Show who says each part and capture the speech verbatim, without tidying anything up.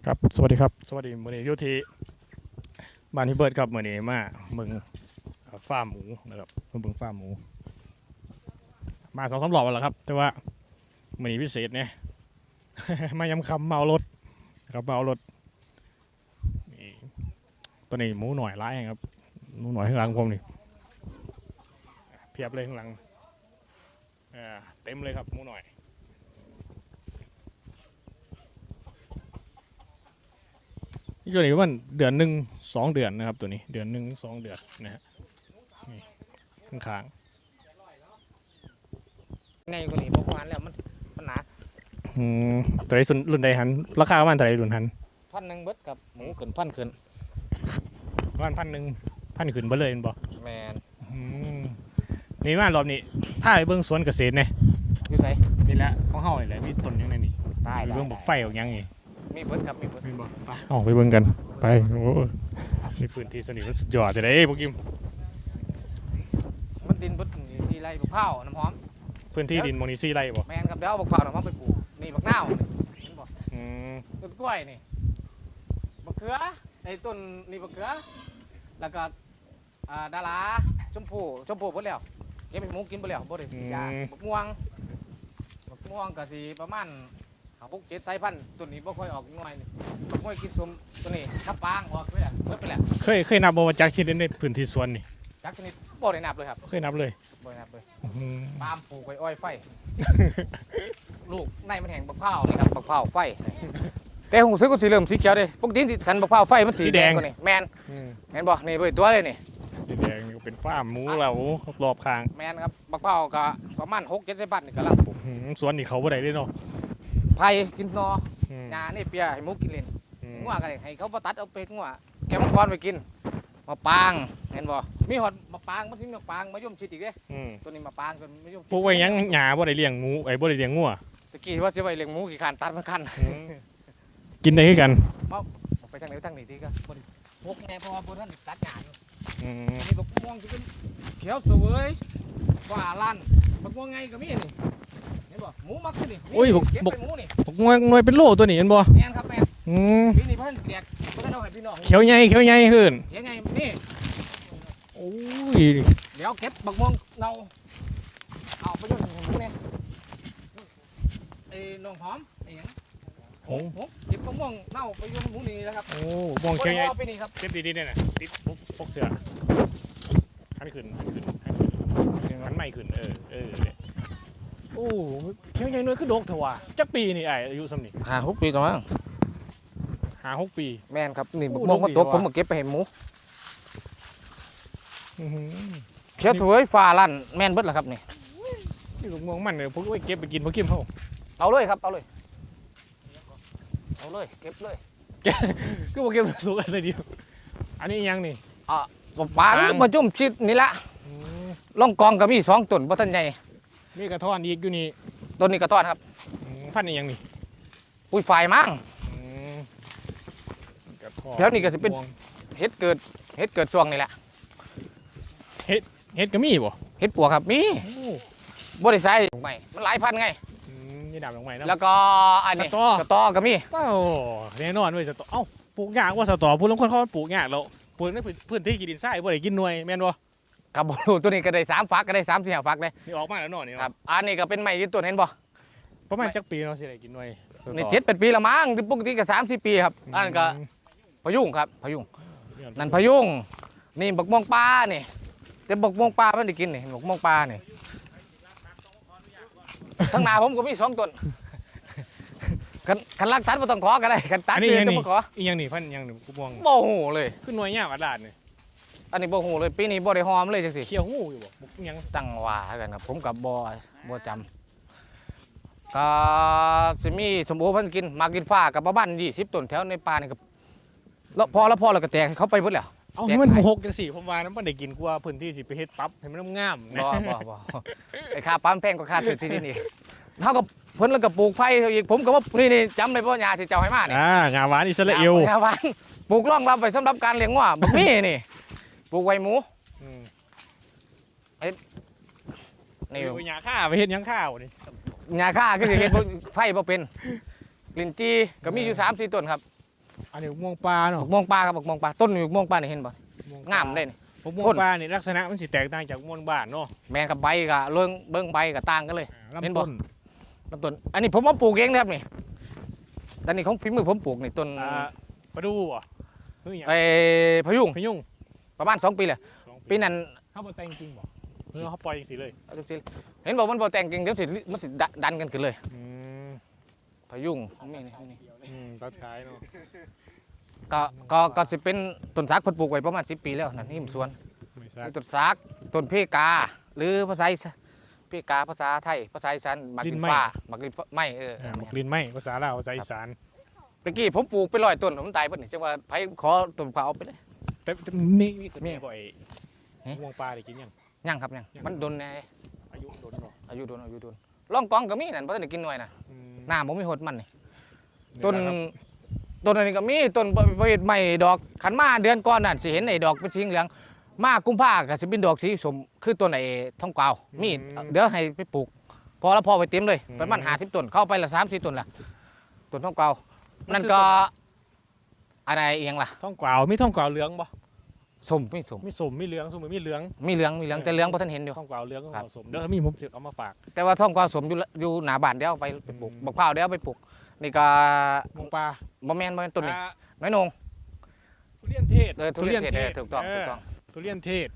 Speaker 1: ครับสวัสดีครับสวัสดีมื้อนี้อยู่ที่บ้านที่เบิร์ดครับมื้อนี้มาเมืองฟาร์มหมูนะครับมาเบิ่งฟาร์มหมูมาสองสามรอบแล้วครับแต่ว่ามื้อนี้พิเศษเนี่ย มายำคำเมารถครับเมารถนี่ตัวนี้หมูหน่อยร้ายครับหมูหน่อยข้างหลังผมนี่เพียบเลยข้างหลังอ่าเต็มเลยครับหมูหน่อยนี่ตัวนี้มันเดือนหนึ่งสองเดือนนะครับตัวนี้เดือนหนึ่งสองเดือนนะฮะนี่ข้าง
Speaker 2: ในคนนี้พวกวานแล้วมันมันหนา
Speaker 1: ๆอืมตัวไหนส่วนรุ่นใดหันราคาประมาณเท่าไหร่รุ่นหัน
Speaker 2: พันหนึ่งเบิดกับหมูขึ้นพันขึ้น
Speaker 1: ประมาณพันหนึ่งพันขึ้นเบ่เลยบ่
Speaker 2: แมน
Speaker 1: อืมนี่มารอบนี้ถ้าไปเบิ่งสวนเกษตรเนี่ย
Speaker 2: อยู่ไส
Speaker 1: นี่แหละของเฮานี่แหละมีต้นยังไงนี่
Speaker 2: ได้
Speaker 1: ไปเบิ่งบักไฟออกยังนี่
Speaker 2: มีเบิดครับมีเบิด
Speaker 1: มีบ่ไปออกไปเบิ่งกันไปโอ้มีพื้นที่สนิทมันสุดยอดจะได้พวกกิม
Speaker 2: มันดินเบิดสีไรบักเผาน้ำหอม
Speaker 1: พื้นที่ดินโมนิซี่ไรบ่
Speaker 2: แมนครับเดี๋ยวเอาบักเผาน้ำหอมไปปลูกนี่บักนาวเห็นบ่
Speaker 1: อืม
Speaker 2: ต้นกล้วยนี่บักเขือไอ้ต้นนี่บักเขือแล้วก็อ่าดาราชมพู่ชมพู่เบิดแล้วเก็บให้หมูกินเบิดแล้วบ่ได้ยาบักม่วงบักม่วงก็สิประมาณหาพวกเจ็ดสายพันธุ์ตัวนี้บ่ค่อยออกน้อยนี่บ่ค่อยกินสมตัวนี้ทับปางออกเลยอ่ะเบิดไปแล้ว
Speaker 1: เคยเคยนับบ่ว่าจักชิ้นในพื้นที่สวนนี่
Speaker 2: จักชนิดบ่ได้นับเลยครับ
Speaker 1: เคยนับเลย
Speaker 2: บ่ได้นับเลย
Speaker 1: อืม
Speaker 2: ปาล์มปลูกไว้อ้อยไฟ ลูกในมันแห้งบักเผานี่ครับบักเผาไฟแต่หูซื้อก็สีเหลืองสีเขียวเด้ปกติสิคันบักเผาไฟมันสีแดงกว่านี่แม่นเห็นบ่นี่เบิ่ตัวเลยนี่
Speaker 1: สีแดงเป็นฟาร์มหมูเรารอบข้าง
Speaker 2: แม่นครับบักเผาก็ประมาณหก เจ็ดสิบบัตรนี่ก็ลังปลูก
Speaker 1: สวนนี่เขาบ่ได้เด้เนาะ
Speaker 2: ไผกินนอหญ้านี่เปียให้หมูกินเล่นงัวก็ได้ให้เขาบ่ตัดเอาเป็ดงัวแกมังกรไปกินมะปางเห็นบ่มีฮอดมะปางมันสิมะปางมะยมชิดอีกเด้ตัวนี้มะปางตัวมะยม
Speaker 1: ปลูกไว้ยังหญ้าบ่ได้เลี้ยงหมูไอ้บ่ได้เลี้ยงงัว
Speaker 2: ตะกี้ว่าสิไว้เลี้ยงหมูกี่คันตัดมันคัน
Speaker 1: กินได้คือกัน
Speaker 2: มาไปทางไหนทางนี้ดีก็บ่ได้พกแน่เพราะว่าบ่ทันตัดหญ้าอยู่
Speaker 1: อืม
Speaker 2: นี่บักม่วงสิเป็นเขียวสวยว่าลั่นบักม่วงไงก็มีนี่เห็นบ่หมูมักคือนี่
Speaker 1: โอ้ยบัก
Speaker 2: เก็บ
Speaker 1: บัก
Speaker 2: ไปหมูนี่
Speaker 1: บักหน่วยเป็นโลตัวนี้เห็นบ่
Speaker 2: แม่นครับแม่น
Speaker 1: อืม
Speaker 2: ปีนี้เพิ่นแจกบ่ทันเอาให้พี่น้อง
Speaker 1: เขียวใหญ่เขียวใหญ่ขึ้น
Speaker 2: ยังไงนี่
Speaker 1: โอ้ย
Speaker 2: เดี๋ยวเก็บบักม่วงเนาเอาไปยุ่งหมูนี่ไอ้น้องหอมไอ้หยังโอ้โหเก็บบักม่วงเน่าไปยุ่งหมูนี่นะครับ
Speaker 1: โอ้มองเขียวใหญ่
Speaker 2: ไปนี่ครับ
Speaker 1: เก็บดีๆเนี่ยน่ะติดพกเสื้อหันขึ้นหันขึ้นหันไม่ขึ้นเออเออโอ้เขียวใหญ่หน่วยคือดกเถอะว่ะจักปีนี่ไอ้อายุส่ำนี่
Speaker 2: ห้า หกปีต่อมา
Speaker 1: ห้า หกปี
Speaker 2: แม่นครับนี่บักม่วงมันตกผมมาเก็บไปให้หมูเขียวสวยฟ้าลั่นแม่นเบิดล่ะครับนี่
Speaker 1: นี่ลูกม่วงมันเนี่ยพวกไว้เก็บไปกินพวกกินเฮา
Speaker 2: เอาเลยครับเอาเลยเอาเลยเก็บเลย
Speaker 1: ก็บ่เก็บสุกอันเดียวอันนี้ยังนี่
Speaker 2: อ่ะปางมาจุ่มชิดนี่ละล่องกองก็มีสองต้นบ่ทันใหญ่
Speaker 1: มีกระท้อนอีกอยู่นี่
Speaker 2: ต้นนี้กระท้อนครับ
Speaker 1: พันธุ์นี้ยังนี่
Speaker 2: ปุ้ยฝ่ายมั่งแถวนี้ก็สิเป็นเฮ็ดเกิดเฮ็ดเกิดช่วงนี่แหละ
Speaker 1: เฮ็ดเฮ็ดก็มีบ่
Speaker 2: เฮ็ดปวกครับมีบ่ได้ใส่ใหม่มันหลายพันไง
Speaker 1: อืมนี่ดำลงใหม่นะ
Speaker 2: แล้วก็อันนี้
Speaker 1: สตอ
Speaker 2: สตอก็มี
Speaker 1: โอ้แน่นอนเว้ยสตอเอ้าปลูกยากว่าสตอผู้ลางคนเขาปลูกยากแล้วปลูกในพื้นที่กินดินทรายบ่ได้กินหน่วยแม่นบ่
Speaker 2: ครับบ่รู้ตัวนี้ก็ได้สามฝักก็ได้สาม สี่ฝักเลย
Speaker 1: นี่ออกมาแล้วเนาะนี่
Speaker 2: ครับอันนี้ก็เป็นไม้ยืนต้นเห็นบ่
Speaker 1: ประมาณจักปีเนาะสิได้กินหน่วย
Speaker 2: นี่เจ็ด แปดปีละมั้งปกติก็สาม สี่ปีครับอันนั้นก็พะยุงครับพะยุงนั่นพะยุงนี่บักม่วงปลานี่แต่บักม่วงปลาไม่ได้กินนี่บักม่วงปลานี่ทั้งนาผมก็มีสองต้นคันรักสัตว์ไม่ต้องขอก็ได้คันตัด
Speaker 1: นี่
Speaker 2: ต้องขอ
Speaker 1: อีกอย่างนี่พันอย่างหนึ่งกูมอง
Speaker 2: บ่หูเลย
Speaker 1: ขึ้นหน่วยยากอาดาษนี่
Speaker 2: อันนี้บ่หูเลยปีนี้บ่ได้หอมเลยจังสิ
Speaker 1: เขียวหูอยู่บ่ยัง
Speaker 2: ตั้งว่ากันครับผมกับบ่บ่จำก็สิมีสมโอพันกินมากินฟ้ากับประมาณยี่สิบต้นแถวในป่านี่ก็แล้วพอแล้วพอแล้วก็แตกเขาไปหมดแล้ว
Speaker 1: เอาให้มันหกจังสี่ผมว่านั้นมันได้กินกว่าพื้นที่สิไปเฮ็ดปั๊บให้มันงาม
Speaker 2: บ่บ่บ่ไอ้ค่าปั๊มแพงกว่าค่าซื้อที่นี่เฮาก็เพิ่นแล้วก็ปลูกไผ่อีกผมก็ว่านี่นี่จำได้บ่ยาที่เจ้าให้มานี่
Speaker 1: อ่างาหวานอิสราเอล
Speaker 2: งาหวานปลูกรองรับไว้สำหรับการเลี้ยงวัวบักมีนี่ปลูกไว้หมู
Speaker 1: อืม
Speaker 2: เฮ็ด
Speaker 1: นี่หญ้าค่าไปเฮ็ดหยังข้าวนี่
Speaker 2: หญ้าค่าคือสิเฮ็ดไผ่บ่เป็นลิ้นจี่ก็มีอยู่ สาม สี่ต้นครับ
Speaker 1: อันนี้ม่วงปลาเนาะ
Speaker 2: บักม่วงปลาครับบักม่วงปลาต้นบักม่วงปลานี่เห็นบ่งามเลยนี่
Speaker 1: ม่วงปลานี่ลักษณะมันสิแตกต่างจากม่วงบ้านเนาะ
Speaker 2: แมนกับใบกับเรื่องเบิ้งใบกับต่างกันเลย
Speaker 1: ลำ
Speaker 2: เห็นบ่
Speaker 1: ต้น
Speaker 2: ลำต้นอันนี้ผมมาปลูกเองนะครับนี่แต่นี่ของฝีมือผมปลูกนี่ต้น
Speaker 1: อ่าปลาดูอ่ะเฮ้ย
Speaker 2: ไอ้พะยุง
Speaker 1: พยุง
Speaker 2: ประมาณสองปีเลย
Speaker 1: สอง
Speaker 2: ปีนั้น
Speaker 1: เขาบ่แต่งจริงบ่เฮ้ยเขาปล่อยจังซี่เลย
Speaker 2: เอาจังซี่เห็นบอกมันบ่แต่งเก่งเดี๋ยวสิมันสิดันกันขึ้นเลย
Speaker 1: อืม
Speaker 2: พะยุงนี่นี่นี่
Speaker 1: อืมตาชายเนาะ
Speaker 2: ก็ก็ก็สิเป็นต้นสักเพิ่นปลูกไว้ประมาณสิบปีแล้วนั่นนี่มันสวน
Speaker 1: ไม่ทราบ
Speaker 2: มีต้นสักต้นเพกา หรือภาษาอีสานเพกาภาษาไทยภาษาอีสานหมากลินฟ้าหมากลินฟ้าไม่เออ
Speaker 1: อ่าบอกลินไม่ภาษาลาวภาษาอีสาน
Speaker 2: ตะกี้ผมปลูกไปร้อยต้นผมตายเพิ่นนี่จังว่าไผขอต้นขาวเอาไปเลย
Speaker 1: แต่แต่มีมีแต่
Speaker 2: มี
Speaker 1: มีบ่อย
Speaker 2: เอ๊ะ
Speaker 1: ม่วงปลาได้กินยัง
Speaker 2: ยังครับยัง
Speaker 1: ยัง
Speaker 2: มันโดนแน่
Speaker 1: อายุโดนบ่
Speaker 2: อายุโดนอายุโดนล่องกองก็มีนั่นบ่ทันได้กินหน่วยน่ะ
Speaker 1: อืม
Speaker 2: หน้าบ่มีหดมันนี่
Speaker 1: นี่
Speaker 2: ต้น
Speaker 1: แหละครับ
Speaker 2: ต้นอันนี้ก็มีต้นประเภทใหม่ดอกขันมาเดือนก่อนนั่นสิเห็นไอ้ดอกเป็นสีเหลืองมากุมภาก็สิเป็นดอกสีสมคือต้นไอ้ทองกวาวมีเดี๋ยวให้ไปปลูก พอแล้วพอไปเต็มเลยประมาณ50ต้นเข้าไปละสามสี่ต้นละต้นทองกวาวนั่นก็อะไรเอียงล่ะ
Speaker 1: ท่องกวาวมีท่องกวาวเหลืองบ่
Speaker 2: สมไม่สม
Speaker 1: มีสมมีเหลืองสมมีเหลือง
Speaker 2: มีเหลืองมีเหลืองแต่เหลืองบ่ทันเห็นอยู่
Speaker 1: ท่องกวาวเหลืองก็
Speaker 2: ครับ
Speaker 1: สมเดี๋ยวมีผมจะเอามาฝาก
Speaker 2: แต่ว่าทองกวาวสมอยู่ละอยู่หน้าบ้านเดี๋ยวเอาไปไปปลูก
Speaker 1: อืม
Speaker 2: บักพร้าวเดี๋ยวเอาไปปลูกนี่ก็
Speaker 1: ม่วงปลา
Speaker 2: บ่แม่นบ่แม่นต้นนี้
Speaker 1: อ่า
Speaker 2: น้อยนง
Speaker 1: ทุเรียนเทศ
Speaker 2: เออทุเรียนเทศเออถูกต้อง
Speaker 1: เ
Speaker 2: ถูกต้อง
Speaker 1: ทุเรียนเทศ